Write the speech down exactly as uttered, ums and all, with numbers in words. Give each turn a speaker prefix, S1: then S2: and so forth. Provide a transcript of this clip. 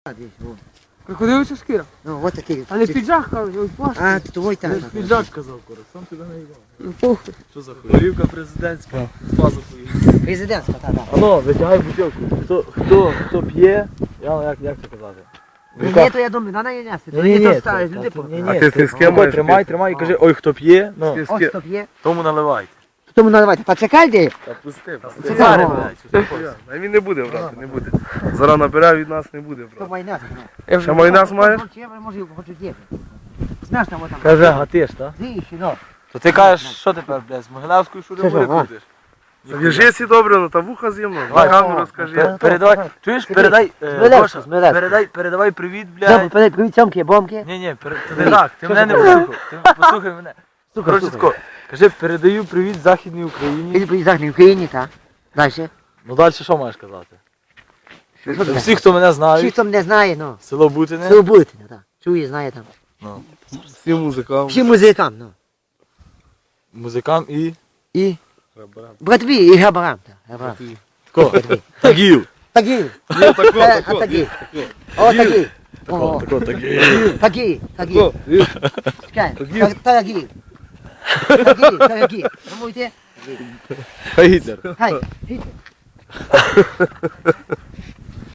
S1: Десь, во.
S2: Крокодилиця шкіра.
S1: Ну, от такий.
S2: А не піджак, кажуть, ось плащ.
S1: А, то твой там.
S3: Піджак сказав, Кора, сам тебе не їбав.
S2: Ну, похуй.
S3: Що за хуй? Горівка президентська, з пазухою.
S1: Президентська, та, да.
S3: Ано, витягай бутилку. Хто, хто, хто п'є, я, як, як це казати?
S1: Ні, то я думаю, на неї нести.
S3: Ні, ні,
S1: то
S3: ні,
S1: ставиш,
S3: та-
S1: люди
S3: та- ні,
S1: по.
S3: ні,
S4: А ти з- з ким
S3: Тримай,
S4: маєш
S3: тримай,
S4: пити?
S3: тримай і кажи, ой, хто п'є, ну,
S1: Ось хто є.
S3: тому наливайте.
S1: Тому наливайте. Та чекайте.
S4: Та пусти, пусти.
S1: Це
S3: Зараз,
S1: ага.
S3: блядь, що ти хочеш?
S4: А він не буде брати, не буде. Зараз набирає від нас не буде
S1: Хто
S4: брати.
S1: має нас?
S2: Я вже
S4: Ще майонез маєш?
S1: Може, хочу є. Знаєш там, отам.
S3: Каже, гатиш, так?
S1: Зіщі, ну.
S3: То ти кажеш, що тепер, блядь, з Могилевською
S1: Що,
S3: шурибури
S1: що, а?
S3: крутиш?
S4: В'яжи сі добре, ну та вуха з'ємно. На
S3: Давай.
S4: камеру розкажи.
S3: Передавай, чуєш, передай, е,
S1: Змелевську,
S3: Гоша,
S1: Змелевську.
S3: передай, передавай привіт,
S1: Добре,
S3: блядь.
S1: привіт, привіт, цьомки, бомки.
S3: Ні, ні, ти не так, ти мене не послухав, ти послухай мене.
S1: Слухай,
S3: Коротше,
S1: слухай.
S3: тако, кажи, передаю привіт Західній Україні.
S1: Іди привіт Західній Україні, так. Дальше.
S3: Ну далі що маєш казати?
S1: Що ти
S3: Всі, хто мене
S1: Всі,
S3: знають,
S1: хто мене знає, ну.
S3: село Бутине.
S1: Все будете, так. Чує, знає там.
S3: Ну,
S4: Всім музикам.
S1: Всім музикам, ну.
S3: музикам і
S1: І братві, і габарам. так, габарам.
S3: тако, тагів.
S1: Такі.
S4: Ні, тако,
S1: Е,
S4: тако.
S1: а такі. О, такі.
S3: Тако,
S1: О,
S3: тако, тагів.
S1: такі, такі.
S4: Тако.
S1: Чекай,
S4: Такі.
S1: та- такі. Такі, такі. Промуйте.
S3: Хай Гітлер.
S1: Хай, гіть.